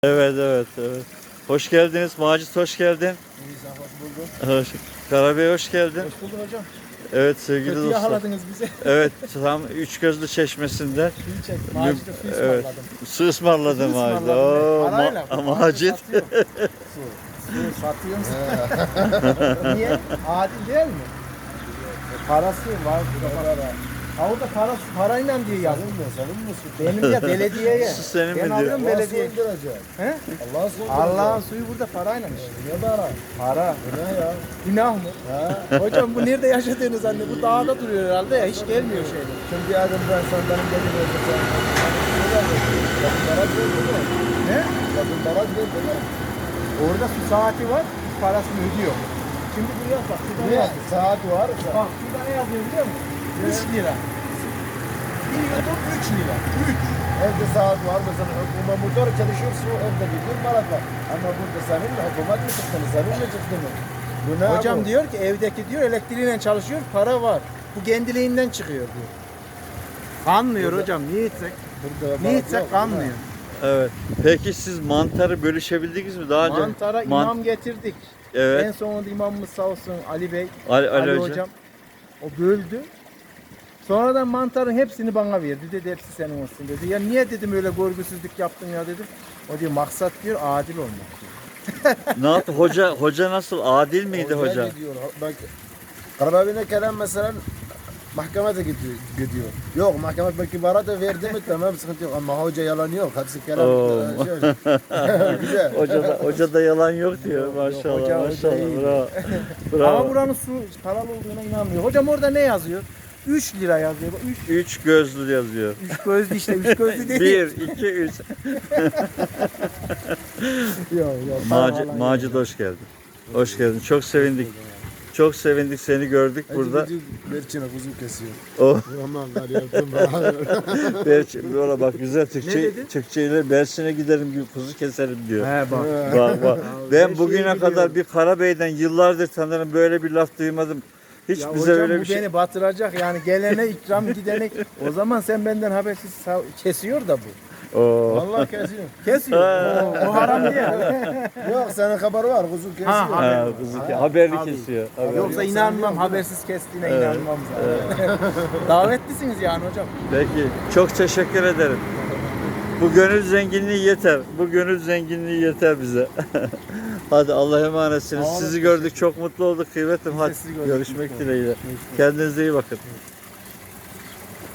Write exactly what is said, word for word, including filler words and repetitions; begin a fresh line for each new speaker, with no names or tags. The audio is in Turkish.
Evet, evet, evet. Hoş geldiniz. Macit hoş geldin.
İyi, hoş bulduk.
Hoş. Karabey hoş geldin.
Hoş bulduk hocam.
Evet sevgili
Kötü
dostlar.
yakaladınız bizi.
Evet, tam Üçgözlü Çeşmesi'nden.
Suyu çek. Macit'e su
Evet,
ısmarladım.
su ısmarladım
Su
Macit.
ısmarladım.
Oo,
Parayla.
ma-
Bu
Macit.
satıyor. Su. Su satıyor musun? Niye? Adil değil mi? E, parası var. Para. Ha orada parası parayla diye yazıyor.
Senin misin?
Benim ya belediyeye.
Su senin
Ben
mi
alıyorum
diyor?
belediye. He?
Allah'a sığındıracak.
Allah'ın suyu burada parayla.
Niye para?
Para.
Bu ne ya?
Günah mı?
Ha?
Hocam bu nerede yaşadığınız anne? Bu dağda duruyor herhalde ya. Hiç gelmiyor şeyler.
Şimdi yarın ben senden gelin öldüreceğim. Yakın baraj verdi mi?
Ne?
Yakın baraj verdi mi?
Orada su saati var, parasını ödüyor. Şimdi buraya bak, şurada ne
Niye?
yazıyor?
Saat var.
Bak, şurada ne yazıyor biliyor musun? üç lira. Bir yudum üç lira. üç.
Evde saat var. Mesela hükümet motor çalışıyorsun. Evde gidiyor para var. Ama burada senin hükümet mi çıktı mı? Senin mi çıktı mı? Bu ne
Hocam
bu?
diyor ki evdeki diyor elektriğiyle çalışıyor, para var. Bu kendiliğinden çıkıyor diyor. Kanmıyor hocam, niye içsek?
Burada
Niye
balık
içsek
yok,
kanmıyor.
Evet. Peki siz mantarı bölüşebildiniz mi daha önce?
Mantara
Man-
imam getirdik.
Evet.
En sonunda imamımız sağ olsun Ali Bey,
Ali, Ali,
Ali,
hocam.
hocam. O böldü. Sonradan mantarın hepsini bana verdi. Dedi hepsi senin olsun dedi. Ya niye dedim öyle görgüsüzlük yaptın ya dedim. O diyor maksat diyor adil olmak diyor.
Ne yaptı? Hoca hoca nasıl? Adil miydi
Hocaya
hoca?
Gidiyor. Bak, Karababine Kerem mesela mahkemede gidiyor, gidiyor. Yok mahkeme belki bara da verdi mi tamam sıkıntı yok ama hoca yalan yok. Hepsi Kerem.
Oo.
Şey, güzel.
Hoca da, hoca da yalan yok diyor. Maşallah,
hoca- hoca
maşallah.
iyi.
Bravo. Bravo.
Ama buranın su paralı olduğuna inanmıyor. Hocam orada ne yazıyor? üç lira yazıyor. üç
Üç gözlü yazıyor.
üç gözlü işte. üç gözlü değil.
Bir, iki, üç.
Yok yok.
Macit, Macit hoş geldin. Hoş geldin. Çok sevindik. Çok sevindik seni gördük burada.
Berçine kuzu kesiyor.
Oh,
Aman var yaptım.
Berçin, valla bak güzel
Ne
Türkçe,
dedi?
Türkçeyle Berçin'e giderim gibi kuzu keserim diyor.
He bak.
Bak bak.
Ben
Ben bugüne
şeyi
kadar
biliyorum.
bir Karabey'den yıllardır sanırım böyle bir laf duymadım. Hiç
Ya
bize
hocam
öyle
bu
bir şey.
beni batıracak yani gelene ikram gidene. O zaman sen benden habersiz sa- kesiyor da bu.
Oo.
Vallahi kesiyor.
Kesiyor. o, o haram değil.
Yok senin haber var kuzu kesiyor.
Ha, ha.
Ha, kuzu ke- haberli
Abi.
kesiyor. Haberli.
Yoksa inanmam habersiz kestiğine inanmam zaten. Davetlisiniz yani hocam.
Peki çok teşekkür ederim. Bu gönül zenginliği yeter. Bu gönül zenginliği yeter bize. Hadi Allah'a emanetsiniz.
Sağ olun,
Sizi gördük çok mutlu olduk kıymetim.
de
Hadi
sizi gördük,
görüşmek
mutlu
dileğiyle. Kendinize iyi bakın.